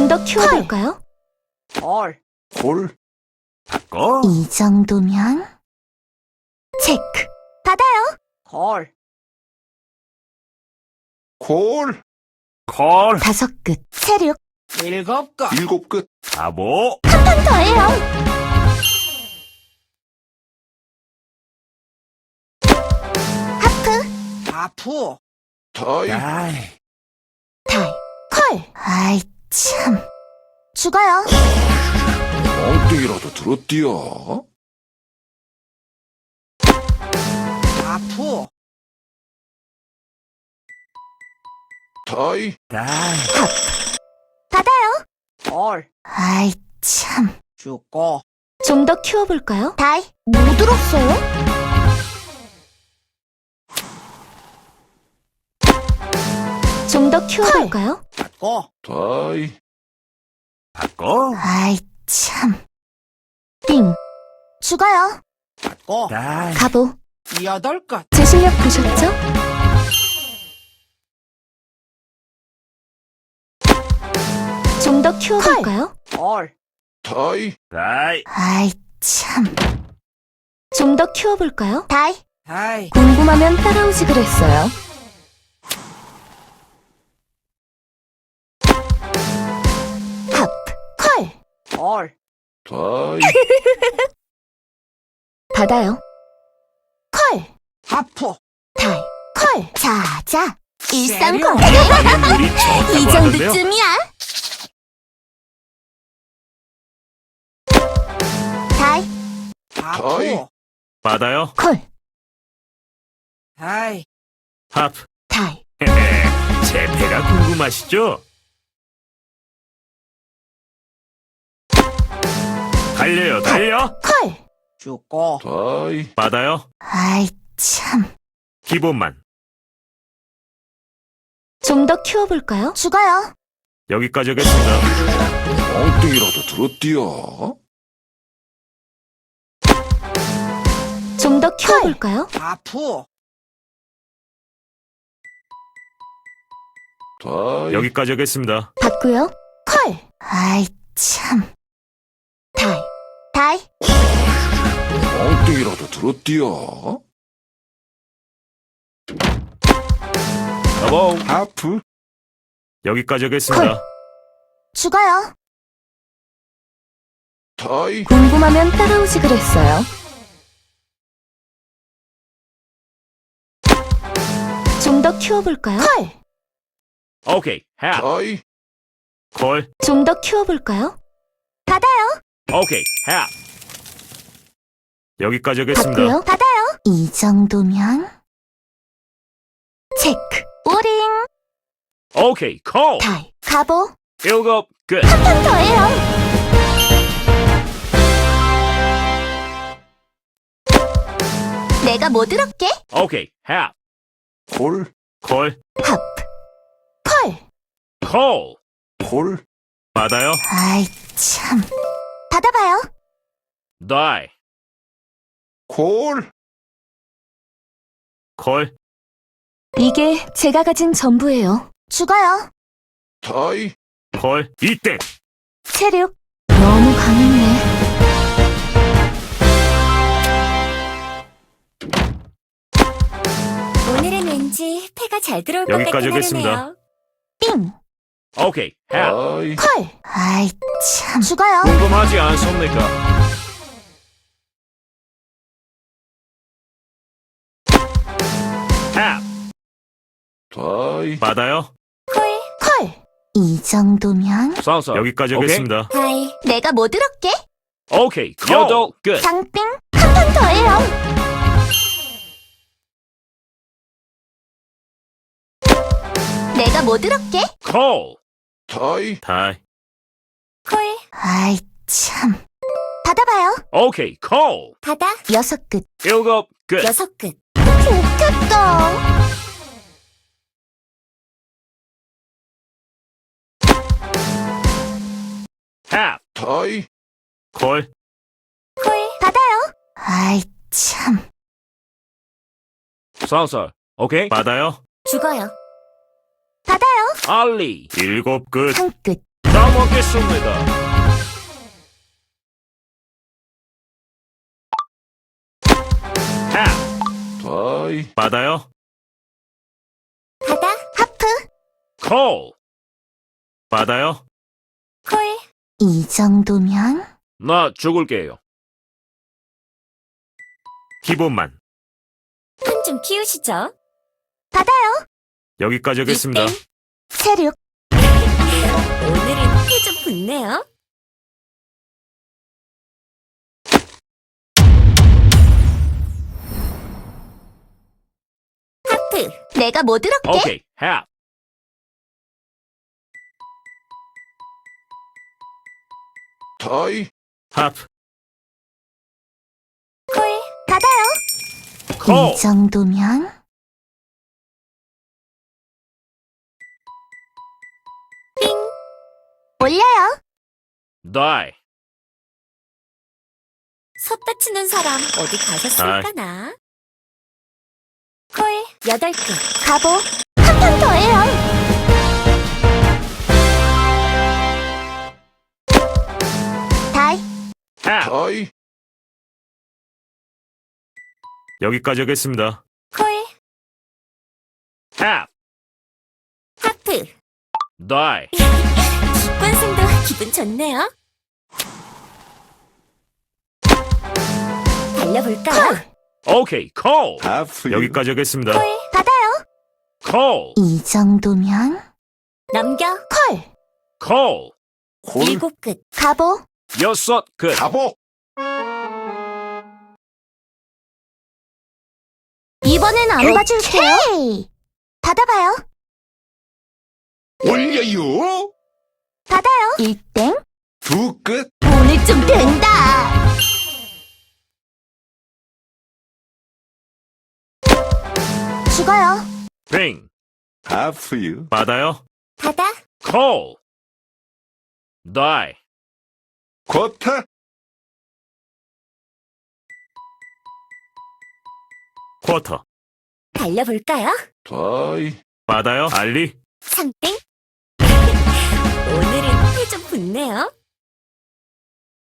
좀 더 키워볼까요? 콜. 콜. 바꿔. 이 정도면 체크. 받아요. 콜. 콜. 콜. 5끝. 세륙. 7끝. 7끝. 바보. 한 판 더해요. 하프. 하프. 다이. 다이. 다이. 콜. 아이 참. 죽어요. 엉뚱이라도 들었디야. 하프. 다이. 다이. 받아요. 콜. 아이 참. 죽고. 좀 더 키워볼까요? 다이. 못 들었어요? 좀 더 키워볼까요? 받고. 다이. 바꿔. 아이 참. 빙. 죽어요. 받고. 다이. 가보. 8끝. 제 실력 보셨죠? 좀 더 키워볼까요? 콜. 다이. 다이. 아이 참. 좀 더 키워볼까요? 다이. 다이. 궁금하면 따라오지 그랬어요. 팝. 콜. 콜. 다이. 받아요. 콜. 하프. 다이. 콜. 자자. 일상콜. 우리 이 좋다고 하던데요? 정도쯤이야. 다이. 다이. 하프. 받아요. 콜. 다이. 하프. 다이. 제 배가 궁금하시죠? 달려요, 달려. 콜. 죽고. 다이. 받아요. 아이 참. 기본만. 좀 더 키워볼까요? 죽어요. 여기까지 하겠습니다. 엉뚱이라도 들었디야. 좀 더 키워볼까요? 하프. 다이. 여기까지 하겠습니다. 받고요. 콜. 아이 참. 다이. 다이. 엉뚱이라도 들었디야. 여보. 하프. 여기까지 하겠습니다. 죽어요. 다이. 궁금하면 따라오지 그랬어요. 좀 더 키워볼까요? 콜. 오케이, 하. 다이. 콜. 좀 더 키워볼까요? 받아요. 오케이, 하. 여기까지 하겠습니다. 받고요. 받아요. 이 정도면 체크. 오링. 오케이, 콜. 다이. 가보. 7끝. 한 판 더해요. 내가 뭐 들었게? 오케이, 하. 콜. 콜. 팝. 콜. 콜. 콜. 받아요. 아이 참. 받아봐요. 다이. 콜. 콜. 이게 제가 가진 전부예요. 죽어요. 다이. 콜. 이때. 체력 너무 강했네. 오늘은 왠지 패가 잘 들어올 것 여기까지 같긴 하겠습니다. 하네요. 삥. 오케이, 하. 다이. 콜. 아이 참. 죽어요. 궁금하지 않습니까? 하. 다이. 받아요. 콜, 콜. 이 정도면 쏴서 여기까지 오케이. 하겠습니다. 하이, 내가 뭐 들었게? 오케이, 콜. 8끝. 장빙 한 판 더해요. 내가 뭐 들었게? 콜. 다이. 다이. 콜, 아이 참. 받아봐요. 오케이, 콜. 바다, 6끝. 7끝. 6끝. 좋겠다. 하. 다이. 콜. 콜, 받아요. 아이 참. 쏴서 오케이. 받아요. 죽어요. 받아요. 알리. 7끝. 한 끝. 다 먹겠습니다. half. 다이. 받아요. 바다, 하프. call. 받아요. 콜, 이 정도면 나 죽을게요. 기본만. 판 좀 키우시죠. 받아요. 여기까지 하겠습니다. 이땡. 세륙. 오늘은 피 좀 붙네요. 하프, 내가 뭐 들었게? 오케이, half. 다이. half. 콜, 받아요. call. 이 정도면 빙, 올려요. die. 섰다 치는 사람 어디 가셨을까나? 콜, 8끝. 가보. 한 판 더해요. 다이. half. 다이. 여기까지 하겠습니다. 콜, half. 하프. die. 관승도 기분 좋네요. 달려볼까요? 오케이, call. 하프. 여기까지 하겠습니다. 콜, 받아요. call. 이 정도면 넘겨. 콜. call. 콜. 7끝. 가보. 6끝. 가보. 이번엔 안 봐줄게요. 받아봐요. 올려요. 받아요. 1땡. 두 끝. 오늘 좀 된다. 죽어요. 빙. 하프유. 받아요. 바다, call. die. 쿼터. 쿼터. 달려볼까요? 다이. 받아요. 알리. 상땡. 오늘은 피 좀 붙네요.